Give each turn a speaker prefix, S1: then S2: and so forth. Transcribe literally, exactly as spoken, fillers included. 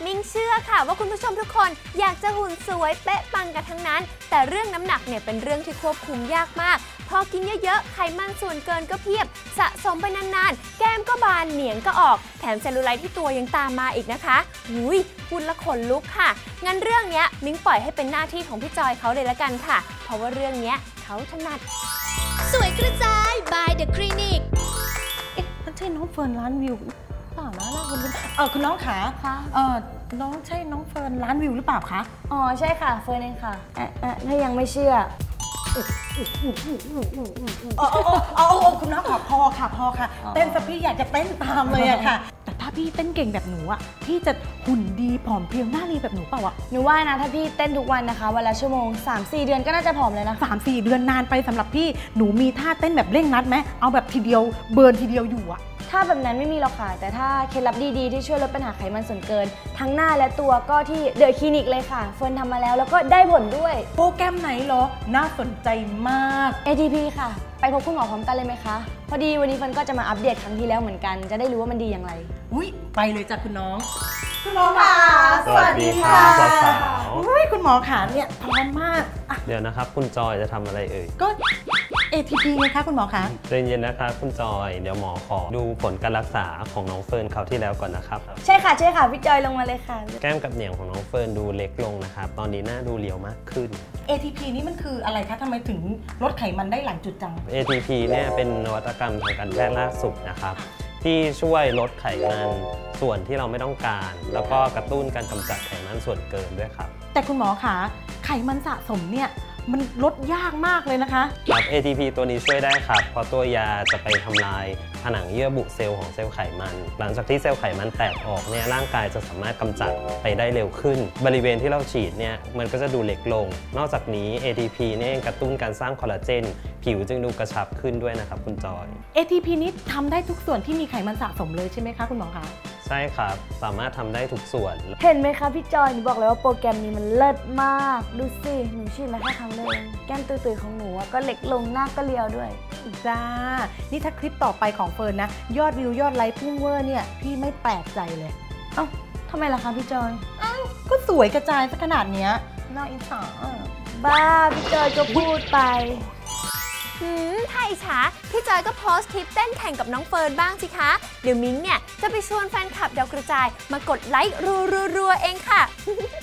S1: มิงเชื่อค่ะว่าคุณผู้ชมทุกคนอยากจะหุ่นสวยเป๊ะปังกันทั้งนั้นแต่เรื่องน้ำหนักเนี่ยเป็นเรื่องที่ควบคุมยากมากพอกินเยอะๆไขมันส่วนเกินก็เพียบสะสมไปนานๆแก้มก็บานเหนียงก็ออกแถมเซลลูไลท์ที่ตัวยังตามมาอีกนะคะหุยพูดละขนลุกค่ะงั้นเรื่องนี้มิงปล่อยให้เป็นหน้าที่ของพี่จอยเขาเลยละกันค่ะเพราะว่าเรื่องนี้เขาถนัด
S2: สวยกระจาย by the clinic
S3: เอ๊ะนั่นใช่น้องเฟิร์นร้านวิวเปล่านะนะคุณเออคุณน้องขาเออน้องใช่น้องเฟิร์นร้านวิวหรือเปล่าคะ
S4: อ๋อใช่ค่ะเฟิร์นเองค่ะเอ๊ะเอ๊ะถ้ายังไม่เชื่อ
S3: อ๋ออ๋อคุณน้องขอพอค่ะพอค่ะเต้นซะพี่อยากจะเต้นตามเลยอะค่ะแต่ถ้าพี่เต้นเก่งแบบหนูอะพี่จะหุ่นดีผอมเพรียวหน้ารีแบบหนูเปล่าอะ
S4: หนูว่านะถ้าพี่เต้นทุกวันนะคะวันละชั่วโมง สามสี่ เดือนก็น่าจะผอมเลยนะ
S3: สามสี่ เดือนนานไปสำหรับพี่หนูมีท่าเต้นแบบเร่งรัดไหมเอาแบบทีเดียวเบิร์นทีเดียวอยู่อะ
S4: ถ้าแบบนั้นไม่มีหรอกค่ะแต่ถ้าเคล็ดลับดีๆที่ช่วยลดปัญหาไขมันส่วนเกินทั้งหน้าและตัวก็ที่เดอะคลินิกเลยค่ะเฟิร์นทำมาแล้วแล้วก็ได้ผลด้วย
S3: โปรแกรมไหนเหรอน่าสนใจมาก
S4: เอ ที พี ค่ะไปพบคุณหมอพร้อมกันเลยไหมคะพอดีวันนี้เฟิร์นก็จะมาอัปเดตครั้งที่แล้วเหมือนกันจะได้รู้ว่ามันดีอย่างไร
S3: อุ้ยไปเลยจ้ะคุณน้องคุณหมอค่ะ
S5: สวัสดีค่ะสาว
S3: ๆอุ้ยคุณหมอขาเนี่ยพร้อมมาก
S5: เดี๋ยวนะครับคุณจอยจะทำอะไรเอ่ย
S3: ก็ เอ ที พี ไงคะคุณหมอคะ
S5: ใจเย็นนะคะคุณจอยเดี๋ยวหมอขอดูผลการรักษาของน้องเฟิร์นคราวที่แล้วก่อนนะครับ
S4: ใช่ค่ะใช่ค่ะพี่จอยลงมาเลยค่ะ
S5: แก้มกับเหนียงของน้องเฟิร์นดูเล็กลงนะครับตอนนี้หน้าดูเรียวมากขึ้น
S3: เอ ที พี นี่มันคืออะไรคะทำไมถึงลดไขมันได้หลายจุดจัง
S5: เอ ที พี เนี่ยเป็นนวัตกรรมทางการแพทย์ล่าสุดนะครับที่ช่วยลดไขมันส่วนที่เราไม่ต้องการแล้วก็กระตุ้นการกำจัดไขมันส่วนเกินด้วยครับ
S3: แต่คุณหมอคะไขมันสะสมเนี่ยมันลดยากมากเลยนะคะ
S5: ครับ เอ ที พี ตัวนี้ช่วยได้ครับเพราะตัวยาจะไปทำลายผนังเยื่อบุเซลล์ของเซลล์ไขมันหลังจากที่เซลล์ไขมันแตกออกเนี่ยร่างกายจะสามารถกำจัดไปได้เร็วขึ้นบริเวณที่เราฉีดเนี่ยมันก็จะดูเล็กลงนอกจากนี้ เอ ที พี เนี่ยกระตุ้นการสร้างคอลลาเจนผิวจึงดูกระชับขึ้นด้วยนะครับคุณจอย
S3: เอ ที พี นี้ทำได้ทุกส่วนที่มีไขมันสะสมเลยใช่ไหมคะคุณหมอคะ
S5: ใช่ครับสามารถทำได้ทุกส่วน
S4: เห็นไหมคะพี่จอยหนูบอกเลยว่าโปรแกรมนี้มันเลิศมากดูสิหนูฉีดมาแค่ครั้งเดียวแก้มตุยๆของหนูก็เล็กลงหน้าก็เรียวด้วย
S3: จ้านี่ถ้าคลิปต่อไปของเฟิร์นนะยอดวิวยอดไลค์พุ่งเวอร์เนี่ยพี่ไม่แปลกใจเลย
S4: เอ้าทำไมล่ะคะพี่จอย
S3: เอ้าก็สวยกระจายซะขนาดเนี้ยน่าอิจฉา
S4: บ้าพี่จอยก็พูดไป
S1: หืมถ้าอิจฉาพี่จอยก็โพสต์คลิปเต้นแข่งกับน้องเฟิร์นบ้างสิคะเดี๋ยวมิ้งเนี่ยจะไปชวนแฟนคลับดาวกระจายมากดไลค์รัวๆๆเองค่ะ